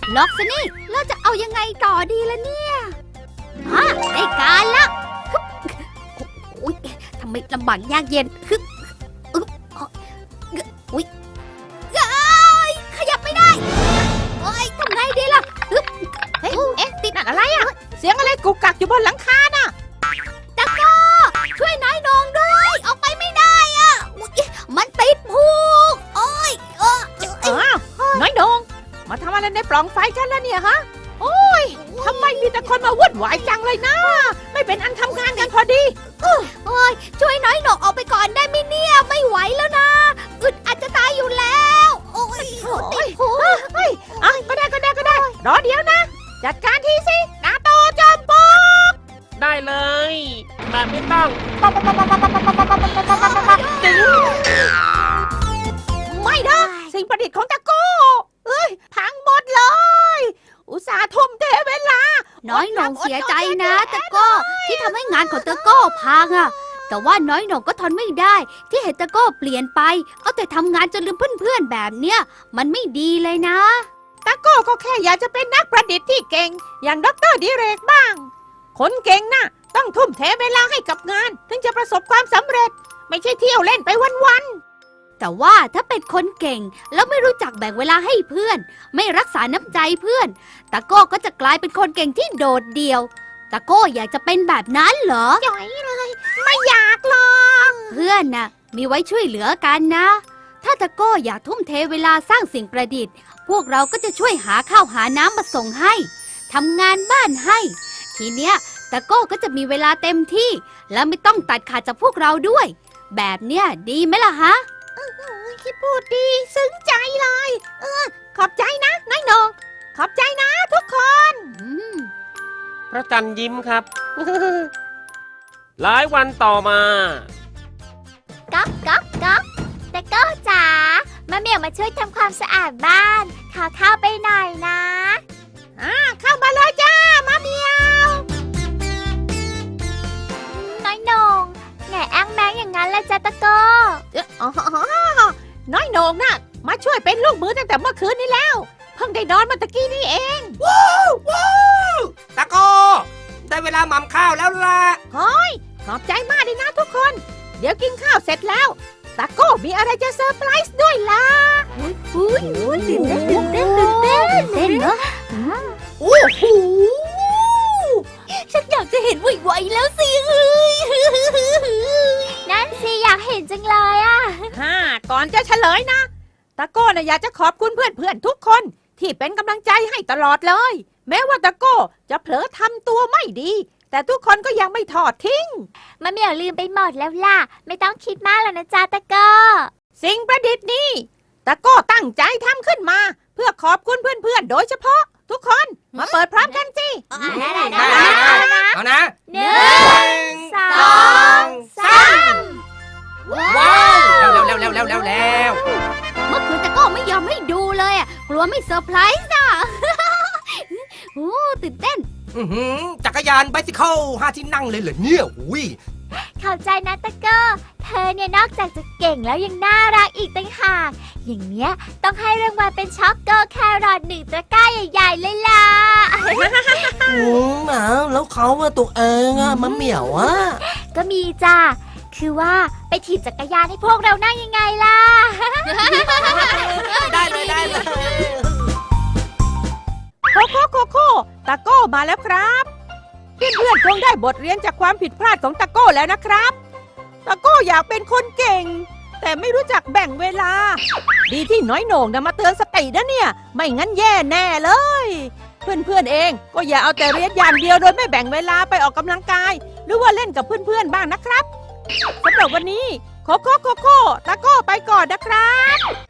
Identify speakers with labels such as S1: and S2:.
S1: ล็อกซะนี่แล้วจะเอายังไงต่อดีล่ะเนี่ยได้การละอุ๊ยทำไมลำบากยากเย็นอุ๊ยขยับไม่ได้ทำไงดีล่ะ
S2: เฮ้ยติดอะไรอ่ะเสียงอะไรกุกกักอยู่บนหลังคาน่ะ
S1: ตะก้อช่วยน้อยนงด้วยออกไปไม่ได้อ่ะมันติดผูก
S2: น้อยนงมาทำอะไรในปล่องไฟฉันแล้วเนี่ยฮะโอ้ยทำไมมีแต่คนมาวุ่นวายจังเลยนะไม่เป็นอันทำงานกันพอดี
S1: ช่วยน้อยนงออกไปก่อนได้ไหมเนี่ยไม่ไหวแล้วนะอึดอาจจะตายอยู่แล้วติดผูก
S2: ก็ได้รอเดี๋ยวนะจัดการทีสินาโตจอมปลวก
S3: ได้เลยแบบไม่ต้อง
S2: ไม่นะสิ่งประดิษฐ์ของตะโก้พังหมดเลยอุตส่าห์ทุ่มเทเวลา
S1: น้อยหน่งเสียใจนะตะโก้ที่ทำให้งานของตะโก้พังอะแต่ว่าน้อยหน่งก็ทนไม่ได้ที่เห็นตะโก้เปลี่ยนไปเอาแต่ทำงานจนลืมเพื่อนๆแบบเนี้ยมันไม่ดีเลยนะ
S2: ตะโก้ก็แค่อยากจะเป็นนักประดิษฐ์ที่เก่งอย่างดร.ดิเรกบ้างคนเก่งน่ะต้องทุ่มเทเวลาให้กับงานถึงจะประสบความสำเร็จไม่ใช่เที่ยวเล่นไปวัน
S1: ๆแต่ว่าถ้าเป็นคนเก่งแล้วไม่รู้จักแบ่งเวลาให้เพื่อนไม่รักษาน้ำใจเพื่อนตะโก้ก็จะกลายเป็นคนเก่งที่โดดเดี่ยวตะโก้อยากจะเป็นแบบนั้นเหรอ
S2: จ่อยเลยไม่อยากหรอก
S1: เพื่อนน่ะมีไว้ช่วยเหลือกันนะถ้าตะโก้อยากทุ่มเทเวลาสร้างสิ่งประดิษฐ์พวกเราก็จะช่วยหาข้าวหาน้ำมาส่งให้ทำงานบ้านให้ทีเนี้ยตะโก้ก็จะมีเวลาเต็มที่และไม่ต้องตัดขาดจากพวกเราด้วยแบบเนี้ยดีไหมล่ะฮะ
S2: คิดพูดดีซึ้งใจเลยขอบใจนะน้อยนงขอบใจนะทุกคน
S3: พระจันทร์ยิ้มครับ หลายวันต่อมา
S1: ก๊อกตะโก้จ๋ามาเหมียวมาช่วยทำความสะอาดบ้านขอเข้าไปหน่อยนะ
S2: เข้ามาเลยจ้ามาเหมียว
S1: น้อยนงไงแอ้งแมงอย่างนั้นละจ้าตะโก้
S2: น้อยนงน่ะมาช่วยเป็นลูกมือตั้งแต่เมื่อคืนนี้แล้วเพิ่งได้นอนมาตะกี้นี่เอง
S4: ว้าวตะโก้ได้เวลาหม่ำข้าวแล้วล่ะ
S2: เฮ้ยขอบใจมากเลยนะทุกคนเดี๋ยวกินข้าวเสร็จแล้วตะโก้มีอะไรจะเซอร์ไพรส์ด้วยล่ะ
S1: ตื่นเต้นเหรอ
S4: โอ้โห
S1: ฉันอยากจะเห็นไวๆแล้วสินั่นสิอยากเห็นจังเลย
S2: ก่อนจะเฉลยนะตะโก้น่ะอยากจะขอบคุณเพื่อนๆทุกคนที่เป็นกำลังใจให้ตลอดเลยแม้ว่าตะโก้จะเผลอทำตัวไม่ดีแต่ทุกคนก็ยังไม่ทอดทิ้ง
S1: มะเหมี่ยวลืมไปหมดแล้วล่ะไม่ต้องคิดมากแล้วนะจ๊ะตะโก้
S2: สิ่งประดิษฐ์นี้ตะโก้ตั้งใจทำขึ้นมาเพื่อขอบคุณเพื่อนๆโดยเฉพาะทุกคนมาเปิดพร้อมกันสิ
S4: เอานะ
S1: 1 2 3
S4: ว้าวแล้ว
S1: เมื่อคืนตะโก้ไม่ยอมให้ดูเลยกลัวไม่เซอร์ไพรส์น่ะโอ้ตื่นเต้น
S4: จักรยานไบซิเคิล5 ที่นั่งเลยเหรอเนี่ย
S1: เข้าใจนะตะโก้เธอเนี่ยนอกจากจะเก่งแล้วยังน่ารักอีกต่างหากอย่างเนี้ยต้องให้รางวัลเป็นช็อกโกแครอท1 ตะกร้าใหญ่ๆเลยล่ะ
S4: แล้วเขาตัวเองมะเหมี่ยว
S1: ก็มีจ้าคือว่าไปถีบจักรยานให้พวกเรานั่งยังไงล่ะ
S4: ได้เลย
S2: โคตะโก้มาแล้วครับเพื่อนๆคงได้บทเรียนจากความผิดพลาดของตะโก้แล้วนะครับตะโก้อยากเป็นคนเก่งแต่ไม่รู้จักแบ่งเวลาดีที่น้อยโหน่งมาเตือนสตินะเนี่ยไม่งั้นแย่แน่เลยเพื่อนๆเองก็อย่าเอาแต่เรียนอย่างเดียวโดยไม่แบ่งเวลาไปออกกำลังกายหรือว่าเล่นกับเพื่อนๆบ้างนะครับสำหรับวันนี้โคตะโก้ไปก่อนนะครับ